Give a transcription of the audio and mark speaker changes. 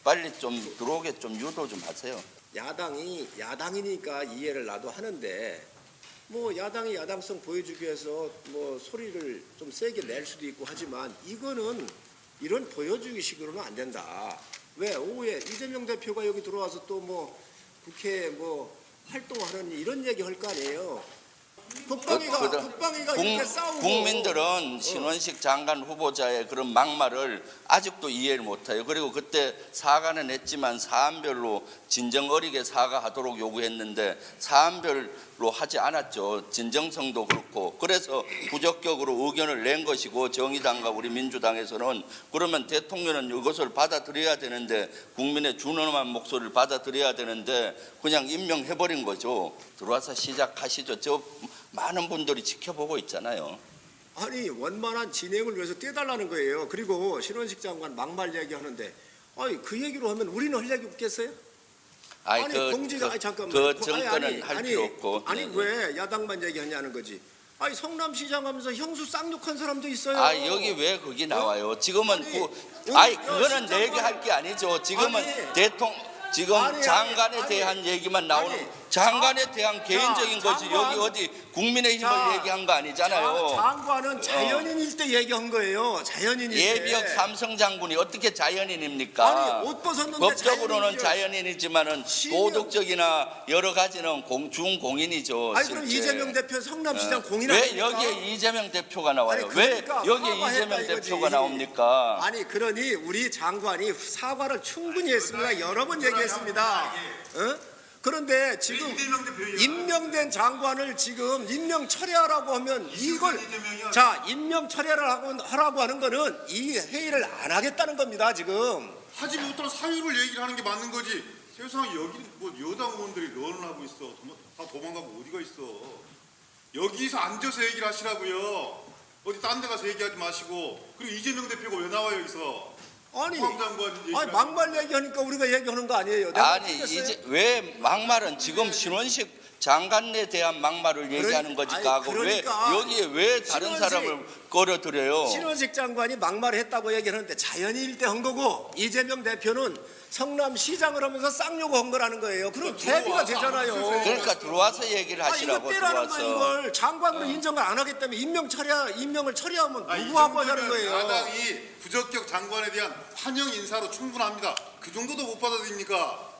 Speaker 1: 빨리 좀 들어오게 좀 유도 좀 하세요.
Speaker 2: 야당이니까 이해를 나도 하는데 뭐 야당이 야당성 보여주기 위해서 뭐 소리를 좀 세게 낼 수도 있고 하지만 이거는 이런 보여주기식으로는 안 된다. 왜 오후에 이재명 대표가 여기 들어와서 또 뭐 국회에 뭐 활동하는 이런 얘기 할 거 아니에요. 국방위가 이렇게 싸우고
Speaker 1: 국민들은 신원식 장관 후보자의 그런 막말을 아직도 이해를 못해요. 그리고 그때 사과는 했지만 사안별로 진정 어리게 사과하도록 요구했는데 사안별로 하지 않았죠. 진정성도 그렇고. 그래서 부적격으로 의견을 낸 것이고 정의당과 우리 민주당에서는 그러면 대통령은 이것을 받아들여야 되는데 국민의 준엄한 목소리를 받아들여야 되는데 그냥 임명해버린 거죠. 들어와서 시작하시죠. 저 많은 분들이 지켜보고 있잖아요.
Speaker 2: 아니 원만한 진행을 위해서 떼달라는 거예요. 그리고 신원식 장관 막말 얘기하는데 아니 그 얘기로 하면 우리는 할 얘기 없겠어요? 잠깐만.
Speaker 1: 그 정권은 할 필요 없고.
Speaker 2: 아니 왜 야당만 얘기하냐는 거지. 아니 성남시장 하면서 형수 쌍욕한 사람도 있어요.
Speaker 1: 여기 왜 거기 나와요? 지금은 그거는 내 얘기할 게 아니죠. 지금은 지금 장관에 대한 얘기만 나오는 장관에 대한 개인적인 거지. 여기 어디 국민의힘을 얘기한 거 아니잖아요.
Speaker 2: 장관은 자연인일 때 얘기한 거예요. 자연인일 때.
Speaker 1: 예비역 삼성 장군이 어떻게 자연인입니까?
Speaker 2: 아니 옷 벗었는데
Speaker 1: 법적으로는 자연인이지만은 도덕적이나 여러 가지는 준공인이죠.
Speaker 2: 아니 그럼 이재명 대표 성남시장 공인
Speaker 1: 왜
Speaker 2: 아닙니까?
Speaker 1: 여기에 이재명 대표가 나와요?
Speaker 2: 아니,
Speaker 1: 왜
Speaker 2: 그러니까
Speaker 1: 여기에
Speaker 2: 사과했다
Speaker 1: 이재명
Speaker 2: 이거지.
Speaker 1: 대표가 나옵니까?
Speaker 2: 아니 그러니 우리 장관이 사과를 충분히 했습니다. 여러 번 얘기했습니다. 그런데 지금 임명된 장관을 지금 임명 철회하라고 하면 이걸 임명 철회를 하라고 하는 거는 이 회의를 안 하겠다는 겁니다. 지금.
Speaker 3: 하지 못할 사유를 얘기를 하는 게 맞는 거지. 세상에 여기 뭐 여당 의원들이 런을 하고 있어. 다 도망가고 어디가 있어. 여기서 앉아서 얘기를 하시라고요. 어디 딴 데 가서 얘기하지 마시고. 그리고 이재명 대표가 왜 나와요 여기서.
Speaker 2: 아니 막말 얘기하니까 우리가 얘기하는 거 아니에요.
Speaker 1: 아니 이제 왜 막말은 지금 신원식 장관에 대한 막말을 얘기하는 거니까
Speaker 2: 그러니까
Speaker 1: 왜 여기에 왜 다른 사람을 끌어들여요?
Speaker 2: 신원식 장관이 막말을 했다고 얘기하는데 자연인일 때 한 거고 이재명 대표는 성남시장을 하면서 쌍욕을 한 거라는 거예요. 그럼 대비가 되잖아요.
Speaker 1: 그러니까 들어와서 얘기를 하시라고.
Speaker 2: 이거 떼라는 거 이걸 장관으로 인정을 안 하기 때문에 임명을 처리하면 누구하고 하자는 거예요.
Speaker 3: 야당이 부적격 장관에 대한 환영 인사로 충분합니다. 그 정도도 못 받아들입니까?